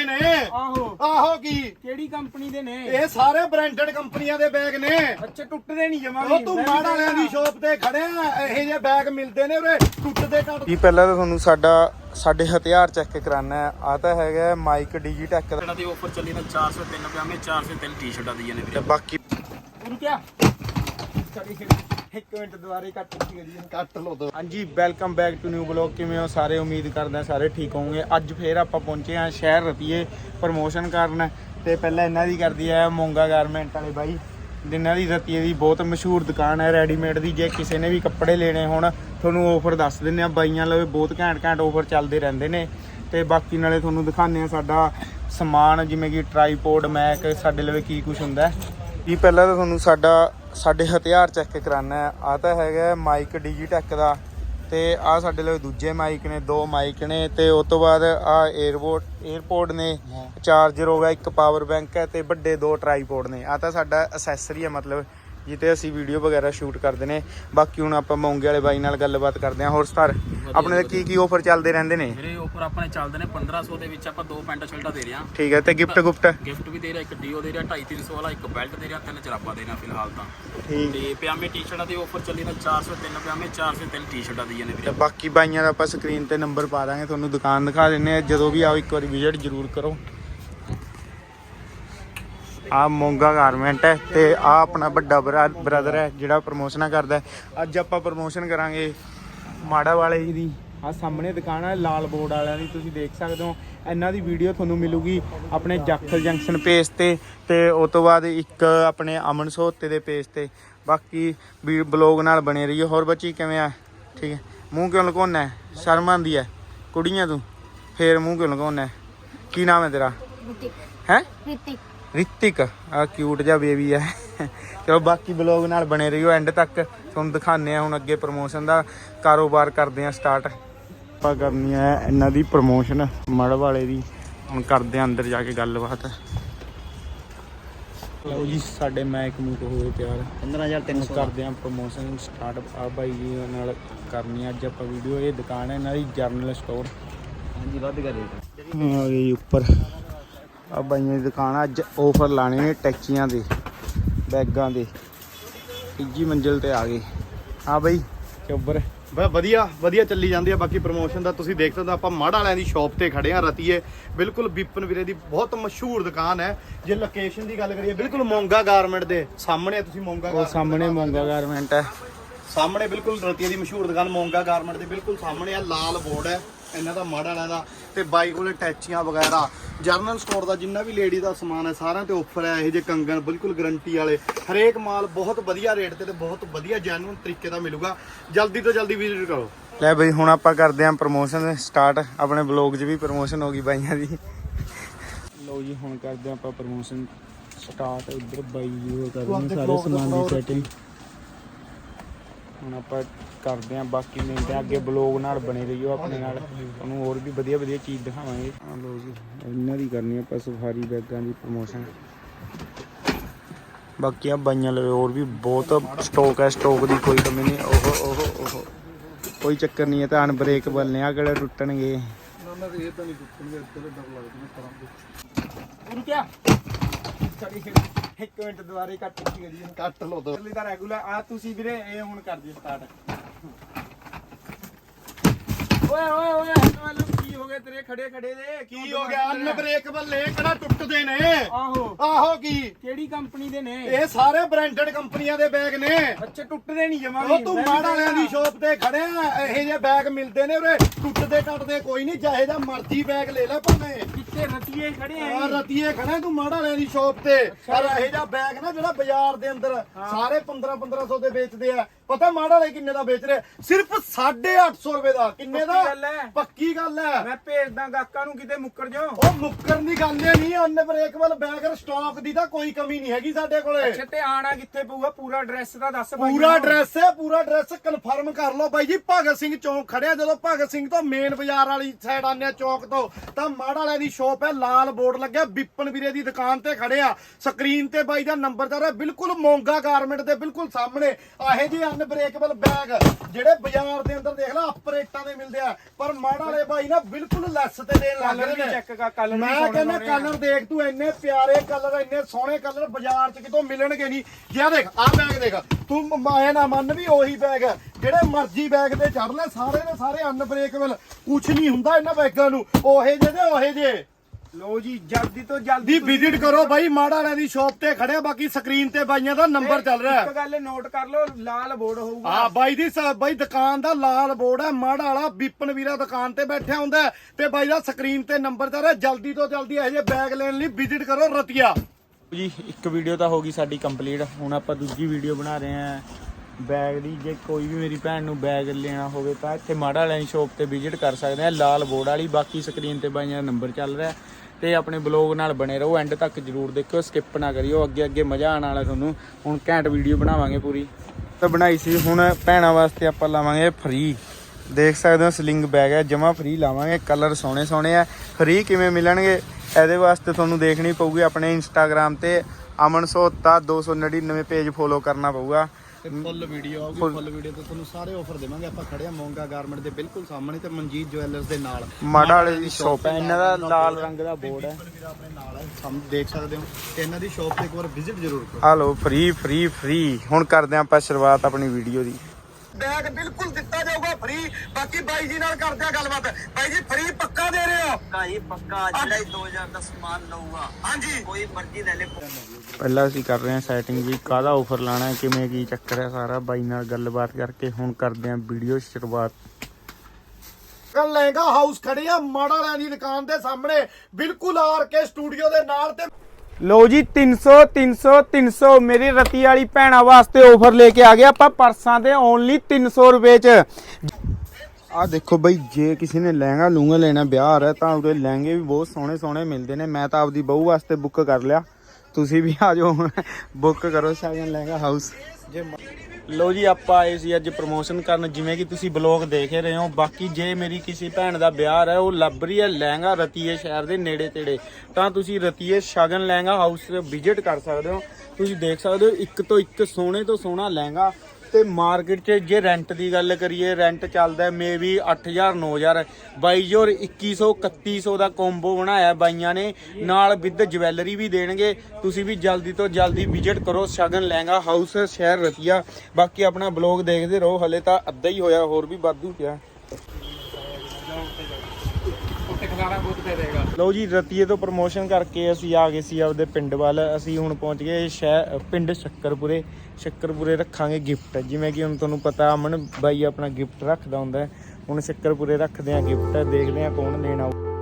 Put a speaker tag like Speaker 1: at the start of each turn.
Speaker 1: ਨੇ।
Speaker 2: ਆਹੋ
Speaker 1: ਆਹੋ ਕੀ
Speaker 2: ਕਿਹੜੀ ਕੰਪਨੀ ਦੇ ਨੇ?
Speaker 1: ਇਹ ਸਾਰੇ ਬ੍ਰਾਂਡਡ ਕੰਪਨੀਆਂ ਦੇ ਬੈਗ ਨੇ।
Speaker 2: ਅੱਛਾ ਟੁੱਟਦੇ ਨਹੀਂ ਜਮਾ
Speaker 1: ਉਹ ਤੂੰ ਮਾੜ ਵਾਲਿਆਂ ਦੀ ਸ਼ੋਪ ਤੇ ਖੜਿਆ, ਇਹੋ ਜਿਹੇ ਬੈਗ ਮਿਲਦੇ ਨੇ ਉਰੇ ਟੁੱਟਦੇ ਟੱਟ।
Speaker 3: ਜੀ ਪਹਿਲਾਂ ਤਾਂ ਤੁਹਾਨੂੰ ਸਾਡੇ ਹਥਿਆਰ ਚੈੱਕ ਕਰਾਨਾ ਹੈ। ਆ ਤਾਂ ਹੈਗਾ ਮਾਈਕ ਡਿਜੀਟੈਕ ਦਾ।
Speaker 2: ਇਹਨਾਂ ਦੀ ਆਫਰ ਚੱਲੀ ਨਾ 403 ਪਜਾਮੇ 403 ਟੀ-ਸ਼ਰਟਾਂ ਦੀਆਂ ਨੇ
Speaker 3: ਤੇ
Speaker 2: ਵੀਰੇ।
Speaker 3: ਬਾਕੀ
Speaker 2: ਉਹਨੂੰ ਕਿਆ ਸਾਡੀ ਇੱਕ ਮਿੰਟ ਦੁਬਾਰੇ ਕੱਟ ਦਿੱਤੀ ਗਈ ਹੈ।
Speaker 1: ਕੱਟ ਲੋ ਦੋ।
Speaker 3: ਹਾਂਜੀ welcome back to new blog. ਕਿਵੇਂ ਹੋ ਸਾਰੇ? ਉਮੀਦ ਕਰਦੇ ਹਾਂ ਸਾਰੇ ਠੀਕ ਹੋਵੋਗੇ। ਅੱਜ ਫੇਰ ਆਪਾਂ ਪਹੁੰਚੇ ਹਾਂ ਸ਼ਹਿਰ ਰਤੀਏ ਪ੍ਰਮੋਸ਼ਨ ਕਰਨ। ਤੇ ਪਹਿਲਾਂ ਇਹਨਾਂ ਦੀ ਕਰਦੀ ਹੈ ਮੋਂਗਾ ਗਾਰਮੈਂਟ ਵਾਲੇ ਬਾਈ, ਜਿਨ੍ਹਾਂ ਦੀ ਰਤੀਏ ਦੀ ਬਹੁਤ ਮਸ਼ਹੂਰ ਦੁਕਾਨ ਹੈ ਰੈਡੀਮੇਡ ਦੀ। ਜੇ ਕਿਸੇ ਨੇ ਵੀ ਕੱਪੜੇ ਲੈਣੇ ਹੋਣ ਤੁਹਾਨੂੰ ਆਫਰ ਦੱਸ ਦਿੰਦੇ ਆ ਬਾਈਆਂ ਲਵੇ, ਬਹੁਤ ਘੈਂਟ ਆਫਰ ਚੱਲਦੇ ਰਹਿੰਦੇ ਨੇ। ਤੇ ਬਾਕੀ ਨਾਲੇ ਤੁਹਾਨੂੰ ਦਿਖਾਉਂਦੇ ਆ ਸਾਡਾ ਸਮਾਨ, ਜਿਵੇਂ ਕਿ ਟਰਾਈਪੋਡ, ਮੈਕ, ਸਾਡੇ ਲਵੇ ਕੀ ਕੁਝ ਹੁੰਦਾ ਜੀ। ਪਹਿਲਾਂ ਤਾਂ ਤੁਹਾਨੂੰ ਸਾਡੇ ਹਥਿਆਰ ਚੈੱਕ ਕਰਾਨਾ ਹੈ। ਆ ਤਾਂ ਹੈਗਾ ਮਾਈਕ ਡਿਜੀਟੈਕ ਦਾ, ਤੇ ਆ ਸਾਡੇ ਲਈ ਦੂਜੇ ਮਾਈਕ ਨੇ, 2 ਮਾਈਕ ਨੇ। ਤੇ ਉਸ ਤੋਂ ਬਾਅਦ ਆ 에어ਪੋਰਟ ਨੇ, ਚਾਰਜਰ ਹੋ ਗਿਆ, ਇੱਕ ਪਾਵਰ ਬੈਂਕ ਹੈ, ਤੇ ਵੱਡੇ 2 ਟਰਾਈਪੋਡ ਨੇ। ਆ ਤਾਂ ਸਾਡਾ ਅਸੈਸਰੀ ਹੈ, ਮਤਲਬ ਜਿੱਤੇ ਅਸੀਂ ਵੀਡੀਓ ਵਗੈਰਾ ਸ਼ੂਟ ਕਰਦੇ ਨੇ। ਬਾਕੀ ਹੁਣ ਆਪਾਂ ਮੋਂਗੇ ਵਾਲੇ ਬਾਈ ਨਾਲ ਗੱਲਬਾਤ ਕਰਦੇ ਹਾਂ। ਹੋਰ ਸਰ ਆਪਣੇ ਦੇ ਕੀ ਆਫਰ ਚੱਲਦੇ ਰਹਿੰਦੇ ਨੇ?
Speaker 2: ਮੇਰੇ ਆਫਰ ਆਪਣੇ ਚੱਲਦੇ ਨੇ 1500 ਦੇ ਵਿੱਚ ਆਪਾਂ 2 ਪੈਂਟ ਸ਼ਰਟਾਂ ਦੇ ਰਹੇ ਹਾਂ।
Speaker 3: ਠੀਕ ਹੈ। ਤੇ ਗਿਫਟ
Speaker 2: ਗਿਫਟ ਵੀ ਦੇ ਰਿਹਾ, ਇੱਕ ਡੀਓ ਦੇ ਰਿਹਾ 250-300 ਵਾਲਾ, ਇੱਕ ਬੈਲਟ ਦੇ ਰਿਹਾ, 3 ਜਰਾਬਾਂ ਦੇ ਰਿਹਾ ਫਿਲਹਾਲ ਤਾਂ।
Speaker 3: ਠੀਕ।
Speaker 2: ਤੇ ਪਜਾਮੇ ਟੀ-ਸ਼ਰਟਾਂ ਦੀ ਆਫਰ ਚੱਲੀ ਨਾ 403 ਪਜਾਮੇ 403 ਟੀ-ਸ਼ਰਟਾਂ ਦੀਆਂ ਨੇ ਵੀਰੇ।
Speaker 3: ਤੇ ਬਾਕੀ ਬਾਈਆਂ ਦਾ ਆਪਾਂ ਸਕਰੀਨ ਤੇ ਨੰਬਰ ਪਾ ਦਾਂਗੇ, ਤੁਹਾਨੂੰ ਦੁਕਾਨ ਦਿਖਾ ਦਿੰਦੇ ਆ। ਜਦੋਂ ਵੀ ਆਓ ਇੱਕ ਵਾਰੀ ਵਿਜ਼ਿਟ ਜ਼ਰੂਰ ਕਰੋ। ਆ ਮੋਂਗਾ ਗਾਰਮੈਂਟ ਹੈ, ਤੇ ਆ ਆਪਣਾ ਵੱਡਾ ਬ੍ਰਦਰ ਹੈ ਜਿਹੜਾ ਪ੍ਰਮੋਸ਼ਨਾਂ ਕਰਦਾ। ਅੱਜ ਆਪਾਂ ਪ੍ਰਮੋਸ਼ਨ ਕਰਾਂਗੇ ਮਾੜਾ ਵਾਲੇ ਦੀ। ਆ ਸਾਹਮਣੇ ਦੁਕਾਨ ਹੈ ਲਾਲ ਬੋਰਡ ਵਾਲਿਆਂ ਦੀ, ਤੁਸੀਂ ਦੇਖ ਸਕਦੇ ਹੋ। ਇਹਨਾਂ ਦੀ ਵੀਡੀਓ ਤੁਹਾਨੂੰ ਮਿਲੂਗੀ ਆਪਣੇ ਜਾਖਲ ਜੰਕਸ਼ਨ ਪੇਜ ਤੇ ਉਸ ਤੋਂ ਬਾਅਦ ਇੱਕ ਆਪਣੇ ਅਮਨ ਸੋਤੇ ਦੇ ਪੇਜ ਤੇ। ਬਾਕੀ ਵੀ ਬਲੌਗ ਨਾਲ ਬਣੇ ਰਹੀਓ। ਹੋਰ ਬੱਚੀ ਕਿਵੇਂ ਆ? ਠੀਕ ਹੈ। ਮੂੰਹ ਕਿਉਂ ਲੁਕਾਉਣਾ ਹੈ? ਸ਼ਰਮ ਆਉਂਦੀ ਹੈ? ਕੁੜੀਆਂ ਤੂੰ ਫੇਰ ਮੂੰਹ ਕਿਉਂ ਲੁਕਾਉਣਾ ਹੈ? ਕੀ ਨਾਮ ਹੈ ਤੇਰਾ? ਹੈ ਰਿਤਿਕ। ਆ ਕਿਊਟ ਜਿਹਾ ਬੇਬੀ ਹੈ। ਚਲੋ ਬਾਕੀ ਬਲੌਗ ਨਾਲ ਬਣੇ ਰਹੀਓ ਐਂਡ ਤੱਕ, ਤੁਹਾਨੂੰ ਦਿਖਾਉਂਦੇ ਆ ਹੁਣ ਅੱਗੇ ਪ੍ਰਮੋਸ਼ਨ ਦਾ ਕਾਰੋਬਾਰ ਕਰਦੇ ਆ ਸਟਾਰਟ। ਆਪਾਂ ਕਰਨੀ ਹੈ ਇਹਨਾਂ ਦੀ ਪ੍ਰਮੋਸ਼ਨ ਮੜ ਵਾਲੇ ਦੀ। ਹੁਣ ਕਰਦੇ ਆ ਅੰਦਰ ਜਾ ਕੇ ਗੱਲਬਾਤ। ਲਓ ਜੀ ਸਾਡੇ ਮੈਕ ਮੂਕ ਹੋਏ ਤਿਆਰ, 15300 ਕਰਦੇ ਆ ਪ੍ਰਮੋਸ਼ਨ ਸਟਾਰਟ। ਆ ਬਾਈ ਜੀ ਨਾਲ ਕਰਨੀ ਅੱਜ ਆਪਾਂ ਵੀਡੀਓ। ਇਹ ਦੁਕਾਨ ਹੈ ਇਹਨਾਂ ਦੀ ਜਰਨਲ ਸਟੋਰ।
Speaker 2: ਹਾਂਜੀ ਵੱਧ ਕਰ ਰੇਟ
Speaker 3: ਆ ਗਈ ਉੱਪਰ। ਆ ਬਾਈਆਂ ਦੀ ਦੁਕਾਨ ਅੱਜ ਆਫਰ ਲਾਣੇ ਨੇ ਟੈਚੀਆਂ ਦੇ, ਬੈਗਾਂ ਦੇ। ਤੀਜੀ ਮੰਜ਼ਿਲ ਤੇ ਆ ਗਏ। ਹਾਂ ਬਾਈ ਚੋਬਰ
Speaker 1: ਵਧੀਆ ਚੱਲੀ ਜਾਂਦੀ ਆ। ਬਾਕੀ ਪ੍ਰਮੋਸ਼ਨ ਦਾ ਤੁਸੀਂ ਦੇਖ ਸਕਦੇ ਹੋ। ਆਪਾਂ ਮਾੜਾ ਵਾਲਿਆਂ ਦੀ ਸ਼ਾਪ ਤੇ ਖੜੇ ਆ ਰਤੀਏ, ਬਿਲਕੁਲ ਵਿਪਨ ਵੀਰੇ ਦੀ ਬਹੁਤ ਮਸ਼ਹੂਰ ਦੁਕਾਨ ਹੈ। ਜੇ ਲੋਕੇਸ਼ਨ ਦੀ ਗੱਲ ਕਰੀਏ, ਬਿਲਕੁਲ ਮੋਂਗਾ ਗਾਰਮੈਂਟ ਦੇ ਸਾਹਮਣੇ ਤੁਸੀਂ ਮੋਂਗਾ
Speaker 3: ਉਹ ਸਾਹਮਣੇ ਮੋਂਗਾ ਗਾਰਮੈਂਟ ਹੈ
Speaker 1: ਸਾਹਮਣੇ, ਬਿਲਕੁਲ ਰਤੀਏ ਦੀ ਮਸ਼ਹੂਰ ਦੁਕਾਨ ਮੋਂਗਾ ਗਾਰਮੈਂਟ ਦੇ ਬਿਲਕੁਲ ਸਾਹਮਣੇ ਆ। ਲਾਲ ਬੋਰਡ ਹੈ ਇਹਨਾਂ ਦਾ ਮਾੜਾ ਵਾਲਿਆਂ ਦਾ। ਤੇ ਬਾਈ ਕੋਲੇ ਟੈਚੀਆਂ ਵਗੈਰਾ, ਜਰਨਲ ਸਟੋਰ ਦਾ ਜਿੰਨਾ ਵੀ ਲੇਡੀ ਦਾ ਸਮਾਨ ਹੈ ਸਾਰਿਆਂ ਤੇ ਆਫਰ ਹੈ। ਇਹ ਜੇ ਕੰਗਣ ਬਿਲਕੁਲ ਗਰੰਟੀ ਵਾਲੇ, ਹਰੇਕ ਮਾਲ ਬਹੁਤ ਵਧੀਆ ਰੇਟ ਤੇ ਬਹੁਤ ਵਧੀਆ ਜੈਨੂਇਨ ਤਰੀਕੇ ਦਾ ਮਿਲੂਗਾ। ਜਲਦੀ ਤੋਂ ਜਲਦੀ ਵਿਜ਼ਿਟ ਕਰੋ।
Speaker 3: ਲੈ ਬਈ ਹੁਣ ਆਪਾਂ ਕਰਦੇ ਆਂ ਪ੍ਰਮੋਸ਼ਨ ਸਟਾਰਟ। ਆਪਣੇ ਬਲੌਗ 'ਚ ਵੀ ਪ੍ਰਮੋਸ਼ਨ ਹੋ ਗਈ ਬਾਈਆਂ ਦੀ। ਲਓ ਜੀ ਹੁਣ ਕਰਦੇ ਆਪਾਂ ਪ੍ਰਮੋਸ਼ਨ ਸਟਾਰਟ। ਇੱਧਰ ਬਾਈ ਜੀ ਉਹ ਕਰਦੇ ਨੇ ਸਾਰੇ ਸਮਾਨ ਦੀ ਸੈਟਿੰਗ। ਹੁਣ ਆਪਾਂ ਕਰਦੇ ਆਂ ਬਾਕੀ ਮਿਲਦੇ ਆ ਅੱਗੇ ਬਲੌਗ ਨਾਲ ਬਣੇ ਰਹੀਓ ਆਪਣੇ ਨਾਲ, ਤੁਹਾਨੂੰ ਹੋਰ ਵੀ ਵਧੀਆ ਚੀਜ਼ ਦਿਖਾਵਾਂਗੇ। ਲਓ ਜੀ ਇਹਨਾਂ ਦੀ ਕਰਨੀ ਆਪਾਂ ਸਫਾਰੀ ਬੈਗਾਂ ਦੀ ਪ੍ਰਮੋਸ਼ਨ। ਬਾਕੀ ਆ ਬਾਈਆਂ ਲਵੇ ਹੋਰ ਵੀ ਬਹੁਤ ਸਟਾਕ ਹੈ, ਸਟਾਕ ਦੀ ਕੋਈ ਕਮੀ ਨਹੀਂ। ਉਹ ਕੋਈ ਚੱਕਰ ਨਹੀਂ ਹੈ। ਤਾਂ ਬ੍ਰੇਕ ਬਲਨੇ ਆ ਕਿਹੜੇ ਟੁੱਟਣਗੇ।
Speaker 2: ਉਹਨੂੰ ਕਿਆ ਸਾਡੀ ਇੱਕ ਮਿੰਟ ਦੁਬਾਰੇ ਕੱਟ ਦਿੱਤੀ ਗਈ ਹੈ।
Speaker 1: ਕੱਟ ਲੋ ਦੋ।
Speaker 2: ਅਗਲੀ ਤਾਂ ਰੈਗੂਲਰ ਆ ਤੁਸੀਂ ਵੀਰੇ ਇਹ ਹੁਣ ਕਰ ਦਿਓ ਸਟਾਰਟ। ਓਏ ਕੀ ਹੋ ਗਿਆ ਤੇਰੇ ਖੜੇ ਦੇ?
Speaker 1: ਕੀ ਹੋ ਗਿਆ? ਅਨਬ੍ਰੇਕੇਬਲ ਨੇ, ਕਿਹੜਾ ਟੁੱਟਦੇ ਨੇ? ਆਹੋ ਕੀ
Speaker 2: ਕਿਹੜੀ ਕੰਪਨੀ ਦੇ ਨੇ?
Speaker 1: ਇਹ ਸਾਰੇ ਬ੍ਰਾਂਡਡ ਕੰਪਨੀਆਂ ਦੇ ਬੈਗ ਨੇ।
Speaker 2: ਅੱਛਾ ਟੁੱਟਦੇ ਨਹੀਂ ਜਮਾ
Speaker 1: ਉਹ ਤੂੰ ਮਾੜ ਵਾਲਿਆਂ ਦੀ ਸ਼ੋਪ ਤੇ ਖੜਿਆ, ਇਹੋ ਜਿਹੇ ਬੈਗ ਮਿਲਦੇ ਨੇ ਉਰੇ ਟੁੱਟਦੇ ਟੱਟਦੇ ਕੋਈ ਨਹੀਂ। ਜਿਹੇ ਦਾ ਮਰਜ਼ੀ ਬੈਗ ਲੈ ਲੈ ਭਾਵੇਂ।
Speaker 2: ਕਿੱਥੇ ਰਤੀਏ ਖੜੇ ਆ?
Speaker 1: ਰਤੀਏ ਖੜਾ ਤੂੰ ਮਾੜ ਵਾਲਿਆਂ ਦੀ ਸ਼ੋਪ ਤੇ। ਪਰ ਇਹੋ ਜਿਹਾ ਬੈਗ ਨਾ ਜਿਹੜਾ ਬਾਜ਼ਾਰ ਦੇ ਅੰਦਰ ਸਾਰੇ 1500 ਦੇ ਵੇਚਦੇ ਆ, ਪਤਾ ਮਾੜ ਵਾਲੇ ਕਿੰਨੇ ਦਾ ਵੇਚ ਰਹੇ? ਸਿਰਫ 850 ਰੁਪਏ ਦਾ। ਕਿੰਨੇ ਦਾ? ਪੱਕੀ ਗੱਲ ਹੈ।
Speaker 2: ਮੈਂ ਭੇਜਦਾ ਗਾਹਕਾਂ ਨੂੰ, ਕਿਤੇ ਮੁੱਕਰ ਜਾਓ।
Speaker 1: ਉਹ ਮੁੱਕਰਨ ਦੀ ਗੱਲ ਨਹੀਂ। ਅਨਬ੍ਰੇਕੇਬਲ ਬੈਗ ਸਟਾਕ ਦੀ ਤਾਂ ਕੋਈ ਕਮੀ ਨਹੀਂ ਹੈਗੀ ਸਾਡੇ ਕੋਲੇ।
Speaker 2: ਅੱਛਾ ਤੇ ਆਣਾ ਕਿੱਥੇ ਪਊਗਾ? ਪੂਰਾ ਐਡਰੈਸ ਦਾ ਦੱਸ।
Speaker 1: ਪੂਰਾ ਐਡਰੈਸ ਹੈ, ਪੂਰਾ ਐਡਰੈਸ ਕਨਫਰਮ ਕਰ ਲਓ ਬਾਈ ਜੀ। ਭਗਤ ਸਿੰਘ ਚੌਂਕ ਖੜਿਆ, ਜਦੋਂ ਭਗਤ ਸਿੰਘ ਤੋਂ ਮੇਨ ਬਾਜ਼ਾਰ ਵਾਲੀ ਸਾਈਡ ਆਨੇ ਚੌਂਕ ਤੋਂ, ਤਾਂ ਮਾੜ ਵਾਲਿਆਂ ਦੀ ਸ਼ੋਪ ਹੈ। ਲਾਲ ਬੋਰਡ ਲੱਗਿਆ, ਵਿਪਨ ਵੀਰੇ ਦੀ ਦੁਕਾਨ ਤੇ ਖੜੇ ਆ। ਸਕਰੀਨ ਤੇ ਬਾਈ ਦਾ ਨੰਬਰ ਚੱਲ ਰਿਹਾ, ਬਿਲਕੁਲ ਮੋਂਗਾ ਗਾਰਮੈਂਟ ਦੇ ਬਿਲਕੁਲ ਸਾਹਮਣੇ। ਆਹੇ ਜੀ ਅਨਬ੍ਰੇਕੇਬਲ ਬੈਗ ਜਿਹੜੇ ਬਾਜ਼ਾਰ ਦੇ ਅੰਦਰ ਦੇਖ ਲੈ ਆਪਰੇਟਾਂ ਦੇ ਮਿਲਦੇ ਆ, ਪਰ ਮੜ ਵਾਲੇ ਬਾਈ ਨਾ ਬਿਲਕੁਲ ਲੈਸ ਤੇ ਦੇਣ ਲੱਗ
Speaker 3: ਕਲਰ
Speaker 1: ਰਹੇ
Speaker 3: ਵੀ
Speaker 1: ਨੇ।
Speaker 3: ਚੈੱਕ ਕਰ, ਕਲਰ ਵੀ
Speaker 1: ਮੈਂ
Speaker 3: ਸੋਹਣੇ
Speaker 1: ਕਹਿੰਦਾ
Speaker 3: ਸੋਹਣੇ ਆ।
Speaker 1: ਕਲਰ ਦੇਖ ਤੂੰ, ਇੰਨੇ ਪਿਆਰੇ ਕਲਰ, ਇੰਨੇ ਸੋਹਣੇ ਕਲਰ ਬਾਜ਼ਾਰ 'ਚ ਕਿਤੋਂ ਮਿਲਣਗੇ ਨਹੀਂ। ਜਿਆ ਦੇਖ ਆ ਬੈਗ ਦੇਖ ਤੂੰ, ਮਾਇਆ ਨਾ ਮੰਨ ਵੀ ਉਹੀ ਬੈਗ ਹੈ ਜਿਹੜੇ ਮਰਜ਼ੀ ਬੈਗ ਤੇ ਚੜ ਲੈ, ਸਾਰੇ ਦੇ ਸਾਰੇ ਅਨਬ੍ਰੇਕੇਬਲ, ਕੁਛ ਨਹੀਂ ਹੁੰਦਾ ਇਹਨਾਂ ਬੈਗਾਂ ਨੂੰ, ਉਹੇ ਜੇ ਤੇ ਉਹੇ ਜੇ।
Speaker 3: ਲਓ ਜੀ ਜਲਦੀ ਤੋਂ ਜਲਦੀ
Speaker 1: ਦੀ ਵਿਜ਼ਿਟ ਕਰੋ ਬਾਈ, ਮਾੜਾ ਵਾਲਿਆਂ ਦੀ ਸ਼ਾਪ ਤੇ ਖੜਿਆ, ਬਾਕੀ ਸਕਰੀਨ ਤੇ ਬਾਈਆਂ ਦਾ ਨੰਬਰ ਚੱਲ ਰਿਹਾ
Speaker 3: ਇੱਕ
Speaker 1: ਹੈ।
Speaker 3: ਗੱਲ ਨੋਟ ਕਰ ਲਓ, ਲਾਲ ਬੋਰਡ ਹੋਊਗਾ।
Speaker 1: ਆ ਬਾਈ ਦੀ ਬਾਈ ਦੁਕਾਨ ਦਾ ਲਾਲ ਬੋਰਡ ਹੈ, ਮਾੜਾ ਵਾਲਾ ਵਿਪਨ ਵੀਰਾ ਦੁਕਾਨ ਤੇ ਬੈਠਿਆ ਹੁੰਦਾ ਹੈ, ਤੇ ਬਾਈ ਦਾ ਸਕਰੀਨ ਤੇ ਨੰਬਰ ਚੱਲ ਰਿਹਾ। ਜਲਦੀ ਤੋਂ ਜਲਦੀ ਇਹੋ ਜਿਹੇ ਬੈਗ ਲੈਣ ਲਈ ਵਿਜ਼ਿਟ ਕਰੋ ਰਤੀਆ
Speaker 3: ਜੀ। ਇੱਕ ਵੀਡੀਓ ਤਾਂ ਹੋ ਗਈ ਸਾਡੀ ਕੰਪਲੀਟ, ਹੁਣ ਆਪਾਂ ਦੂਜੀ ਵੀਡੀਓ ਬਣਾ ਰਹੇ ਹਾਂ ਬੈਗ ਦੀ। ਜੇ ਕੋਈ ਵੀ ਮੇਰੀ ਭੈਣ ਨੂੰ ਬੈਗ ਲੈਣਾ ਹੋਵੇ ਤਾਂ ਇੱਥੇ ਮਾੜਾ ਵਾਲਿਆਂ ਦੀ ਸ਼ਾਪ ਤੇ ਵਿਜ਼ਿਟ ਕਰ ਸਕਦੇ ਆ, ਲਾਲ ਬੋਰਡ ਵਾਲੀ। ਬਾਕੀ ਸਕਰੀਨ ਤੇ ਬਾਈਆਂ ਦਾ ਨੰਬਰ ਚੱਲ ਰਿਹਾ, ਤੇ ਆਪਣੇ ਬਲੌਗ ਨਾਲ ਬਣੇ ਰਹੋ, ਐਂਡ ਤੱਕ ਜਰੂਰ ਦੇਖਿਓ, ਸਕਿਪ ਨਾ ਕਰਿਓ, ਅੱਗੇ ਅੱਗੇ ਮਜ਼ਾ ਆਉਣ ਵਾਲਾ ਤੁਹਾਨੂੰ। ਹੁਣ ਘੈਂਟ ਵੀਡੀਓ ਬਣਾਵਾਂਗੇ ਪੂਰੀ। ਤਾਂ ਬਣਾਈ ਸੀ, ਹੁਣ ਭੈਣਾਂ ਵਾਸਤੇ ਆਪਾਂ ਲਾਵਾਂਗੇ ਫ੍ਰੀ। ਦੇਖ ਸਕਦੇ ਹੋ ਸਲਿੰਗ ਬੈਗ ਹੈ, ਜਮਾ ਫ੍ਰੀ ਲਾਵਾਂਗੇ। ਕਲਰ ਸੋਹਣੇ ਸੋਹਣੇ ਆ। ਫ੍ਰੀ ਕਿਵੇਂ ਮਿਲਣਗੇ ਇਹਦੇ ਵਾਸਤੇ ਤੁਹਾਨੂੰ ਦੇਖਣੀ ਪਊਗੀ ਆਪਣੇ ਇੰਸਟਾਗ੍ਰਾਮ ਤੇ ਅਮਨ ਸੋਤਾ 299 ਪੇਜ ਫੋਲੋ ਕਰਨਾ ਪਊਗਾ।
Speaker 1: ਤੇ ਫੁੱਲ ਵੀਡੀਓ ਆਊਗੀ, ਫੁੱਲ ਵੀਡੀਓ ਤੇ ਤੁਹਾਨੂੰ ਸਾਰੇ ਆਫਰ ਦੇਵਾਂਗੇ। ਆਪਾਂ ਖੜੇ ਆ ਮੋਂਗਾ ਗਾਰਮੈਂਟ ਦੇ ਬਿਲਕੁਲ ਸਾਹਮਣੇ ਤੇ ਮਨਜੀਤ ਜੁਐਲਰਸ ਦੇ ਨਾਲ,
Speaker 3: ਮਾੜਾ ਵਾਲੇ ਦੀ ਸ਼ਾਪ ਹੈ, ਇਹਨਾਂ ਦਾ ਲਾਲ ਰੰਗ ਦਾ ਬੋਰਡ ਹੈ,
Speaker 1: ਵੀਰਾ ਆਪਣੇ ਨਾਲ ਹੈ, ਸਾਹਮਣੇ ਦੇਖ ਸਕਦੇ ਹੋ। ਤੇ ਇਹਨਾਂ ਦੀ ਸ਼ਾਪ ਤੇ ਇੱਕ ਵਾਰ ਵਿਜ਼ਿਟ ਜ਼ਰੂਰ ਕਰੋ।
Speaker 3: ਆ ਲਓ ਫ੍ਰੀ ਫ੍ਰੀ ਫ੍ਰੀ। ਹੁਣ ਕਰਦੇ ਹਾਂ ਆਪਾਂ ਸ਼ੁਰੂਆਤ ਆਪਣੀ ਵੀਡੀਓ ਦੀ।
Speaker 1: ਬੈਗ ਬਿਲਕੁਲ ਦਿੱਤਾ ਜਾਊਗਾ ਫ੍ਰੀ। ਬਾਕੀ ਬਾਈ ਜੀ ਨਾਲ ਕਰਦੇ ਆ ਗੱਲਬਾਤ। ਬਾਈ ਜੀ ਫ੍ਰੀ ਪੱਕਾ ਦੇ ਰਹੇ ਹੋ?
Speaker 2: ਭਾਈ ਪੱਕਾ ਜਿਹੜਾ 2000 ਦਾ ਸਮਾਨ ਲਊਗਾ
Speaker 1: ਹਾਂਜੀ
Speaker 2: ਕੋਈ ਮਰਜ਼ੀ ਲੈ ਲੈ।
Speaker 3: ਪਹਿਲਾਂ ਅਸੀਂ ਕਰ ਰਹੇ ਹਾਂ ਸੈਟਿੰਗ ਵੀ, ਕਾਹਦਾ ਆਫਰ ਲਾਣਾ ਹੈ, ਕਿਵੇਂ ਕੀ ਚੱਕਰ ਹੈ, ਸਾਰਾ ਬਾਈ ਨਾਲ ਗੱਲਬਾਤ ਕਰਕੇ ਹੁਣ ਕਰਦੇ ਹਾਂ ਵੀਡੀਓ ਸ਼ੁਰੂਆਤ।
Speaker 1: ਕੱਲ ਲਹਿੰਗਾ ਹਾਊਸ ਖੜੇ ਆ ਮਾੜਾ ਵਾਲਿਆਂ ਦੀ ਦੁਕਾਨ ਦੇ ਸਾਹਮਣੇ, ਬਿਲਕੁਲ ਆਰ ਕੇ ਸਟੂਡੀਓ ਦੇ ਨਾਲ। ਤੇ
Speaker 3: ਲਓ ਜੀ 300 300 300 ਮੇਰੀ ਰਤੀ ਵਾਲੀ ਭੈਣਾਂ ਵਾਸਤੇ ਆਫਰ ਲੈ ਕੇ ਆ ਗਏ ਆਪਾਂ ਪਰਸਾਂ ਤੇ ਓਨਲੀ 300 ਰੁਪਏ ਚ। ਆ ਦੇਖੋ ਬਈ, ਜੇ ਕਿਸੇ ਨੇ ਲਹਿੰਗਾ ਲੂੰਗਾ ਲੈਣਾ ਵਿਆਹ ਆ ਰਿਹਾ ਤਾਂ ਉਹਦੇ ਲਹਿੰਗੇ ਵੀ ਬਹੁਤ ਸੋਹਣੇ ਸੋਹਣੇ ਮਿਲਦੇ ਨੇ। ਮੈਂ ਤਾਂ ਆਪਦੀ ਬਹੂ ਵਾਸਤੇ ਬੁੱਕ ਕਰ ਲਿਆ, ਤੁਸੀਂ ਵੀ ਆ ਜਾਓ ਬੁੱਕ ਕਰੋ ਸ਼ਗਨ ਲਹਿੰਗਾ ਹਾਊਸ। ਲਓ ਜੀ ਆਪਾਂ ਆਏ ਸੀ ਅੱਜ ਪ੍ਰਮੋਸ਼ਨ ਕਰਨ, ਜਿਵੇਂ ਕਿ ਤੁਸੀਂ ਬਲੌਗ ਦੇਖ ਰਹੇ ਹੋ। ਬਾਕੀ ਜੇ ਮੇਰੀ ਕਿਸੇ ਭੈਣ ਦਾ ਵਿਆਹ ਹੈ, ਉਹ ਲੱਭ ਰਹੀ ਹੈ ਲਹਿੰਗਾ ਰਤੀਏ ਸ਼ਹਿਰ ਦੇ ਨੇੜੇ ਤੇੜੇ, ਤਾਂ ਤੁਸੀਂ ਰਤੀਏ ਸ਼ਗਨ ਲਹਿੰਗਾ ਹਾਊਸ ਵਿਜ਼ਿਟ ਕਰ ਸਕਦੇ ਹੋ। ਤੁਸੀਂ ਦੇਖ ਸਕਦੇ ਹੋ ਇੱਕ ਤੋਂ ਇੱਕ ਸੋਹਣੇ ਤੋਂ ਸੋਹਣਾ ਲਹਿੰਗਾ। ਤੇ ਮਾਰਕੀਟ 'ਚ ਜੇ ਰੈਂਟ ਦੀ ਗੱਲ ਕਰੀਏ, ਰੈਂਟ ਚੱਲਦਾ ਮੇ ਵੀ 8000 9000। ਬਾਈ ਜੀ ਔਰ 2100 3100 ਦਾ ਕੋਂਬੋ ਬਣਾਇਆ ਬਾਈਆਂ ਨੇ, ਨਾਲ ਵਿਦ ਜਵੈਲਰੀ ਵੀ ਦੇਣਗੇ। ਤੁਸੀਂ ਵੀ ਜਲਦੀ ਤੋਂ ਜਲਦੀ ਵਿਜ਼ਿਟ ਕਰੋ ਸ਼ਗਨ ਲਹਿੰਗਾ ਹਾਊਸ ਸ਼ਹਿਰ ਰਤੀਆ। ਬਾਕੀ ਆਪਣਾ ਬਲੌਗ ਦੇਖਦੇ ਰਹੋ, ਹਲੇ ਤਾਂ ਅੱਧਾ ਹੀ ਹੋਇਆ, ਹੋਰ ਵੀ ਵਾਧੂ ਪਿਆ। ਲਓ ਜੀ ਰਤੀਏ ਤੋਂ ਪ੍ਰਮੋਸ਼ਨ ਕਰਕੇ ਅਸੀਂ ਆ ਗਏ ਸੀ ਆਪਦੇ ਪਿੰਡ ਵੱਲ। ਅਸੀਂ ਹੁਣ ਪਹੁੰਚ ਗਏ ਪਿੰਡ ਸ਼ੱਕਰਪੁਰੇ। ਸ਼ੱਕਰਪੁਰੇ ਰੱਖਾਂਗੇ ਗਿਫਟ, ਜਿਵੇਂ ਕਿ ਹੁਣ ਤੁਹਾਨੂੰ ਪਤਾ ਅਮਨ ਬਾਈ ਆਪਣਾ ਗਿਫਟ ਰੱਖਦਾ ਹੁੰਦਾ। ਹੁਣ ਸ਼ੱਕਰਪੁਰੇ ਰੱਖਦੇ ਆ ਗਿਫਟ, ਦੇਖਦੇ ਆ ਕੌਣ ਦੇਣ ਆਊ।